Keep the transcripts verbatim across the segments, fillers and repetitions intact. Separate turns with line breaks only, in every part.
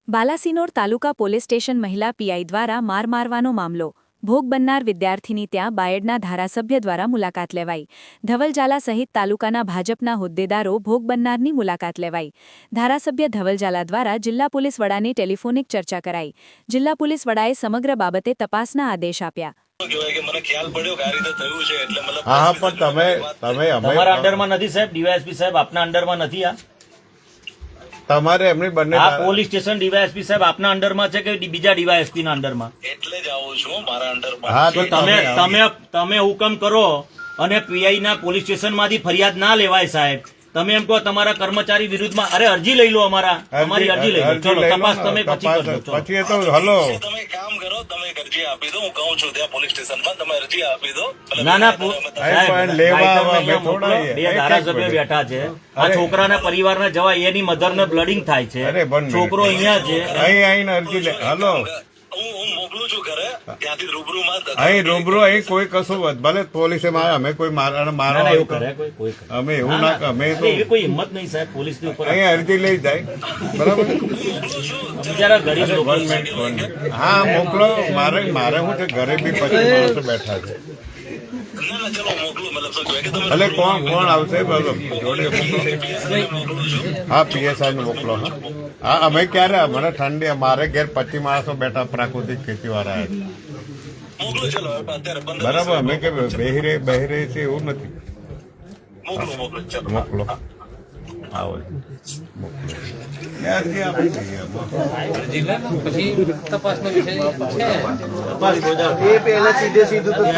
બાલાસિનોર તાલુકા police station મહિલા PI દ્વારા માર મારવાનો મામલો ભોગ બનનાર વિદ્યાર્થીની ત્યાં બાયડના ધારાસભ્ય દ્વારા મુલાકાત લેવાઈ ધવલજાલા સહિત તાલુકાના ભાજપના હોદ્દેદારો ભોગ બનનારની મુલાકાત લેવાઈ ધારાસભ્ય ધવલજાલા દ્વારા જિલ્લા પોલીસ વડાની ટેલિફોનિક ચર્ચા કરાઈ જિલ્લા પોલીસ વડાએ સમગ્ર બાબતે તપાસના આદેશ આપ્યા
હા પણ તમે તમે
અમારા અંડરમાં નથી સાહેબ ડીવાયએસપી સાહેબ આપના અંડરમાં નથી આ
તમારે એમની બંને
આ પોલીસ સ્ટેશન ડીવાયએસપી સાહેબ આપના અંડરમાં છે કે બીજા ડીવાયએસપી ના અંડરમાં
એટલે જ આવું છું મારા અંડરમાં
હા
તો તમે તમે તમે હુકમ કરો અને પીઆઈ ના પોલીસ સ્ટેશન માંથી ફરિયાદ ના લેવાય સાહેબ તમે એમ કહો તમારા કર્મચારી વિરુદ્ધમાં અરે અરજી લઈ લો અમારા અમારી અરજી લઈ લો ચલો તપાસ તમે પછી કરજો
પછી તો હલો
તમે કામ કરો તમે એક અરજી આપી દો હું કહું છું ત્યાં પોલીસ સ્ટેશનમાં તમે અરજી આપી દો
ના ના
પણ લેવા અમે થોડા
બે ધારાસભ્ય બેઠા છે આ છોકરાના પરિવારના જવા એની મધર ને બ્લડિંગ થાય છે છોકરો અહીંયા છે
અહીં આવીને અરજી લે હલો
હું હું મોકલું છું ઘરે ત્યાંથી રૂબરૂમાં
અહીં રૂબરૂ અહીં કોઈ કશું ભલે પોલીસે મારે અમે કોઈ મારા મારા
ના, એવું કરે કોઈ કોઈ કરે.
અમે એવું ના અમે તો
એવી કોઈ હિંમત નહીં સાહેબ પોલીસ ની ઉપર
અહીં અરજી લઈ જાય બરાબર
બિચારા ગરીબ લોકો
વન મિનિટ વન મિનિટ હા મોકલો મારે મારે શું છે ઘરે બી પચીસ માણસો બેઠા છે
ના ના ચલો મોકલું મતલબ શું કહેવાય કે તમે
ભલે કોણ કોણ આવશે બરાબર જોડે હા પીએસઆઈ ને મોકલો હા હા અમે ક્યારે મને ઠંડી મારે ઘેર પચીસ માણસો બેઠા પ્રાકૃતિક ખેતી વાળા
મોકલું ચલો અત્યારે બંધ
બરાબર અમે કે બેહી રહી બેહી રહી છે એવું નથી
મોકલું મોકલું ચલો
મોકલો આવો મોકલો ક્યાંથી આપી દઈએ
પછી તપાસનો વિષય છે
એ પહેલા સીધે સીધું તો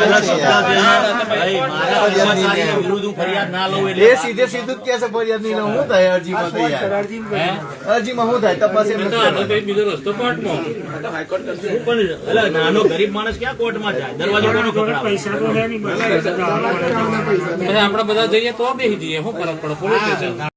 વિરુદ્ધ હું ફરિયાદ ના લઉં એટલે
એ સીધે સીધું જ કે છે ફરિયાદ નહીં હું થાય અરજીમાં તો યાર અરજીમાં હું થાય તપાસ એમ નથી
બીજો રસ્તો કોર્ટમાં
પણ એટલે નાનો ગરીબ માણસ ક્યાં કોર્ટમાં જાય દરવાજો કોનો ખખડાવે?
પછી આપણે બધા જઈએ તો બેસી જઈએ શું ફરક પડે પોલીસ સ્ટેશન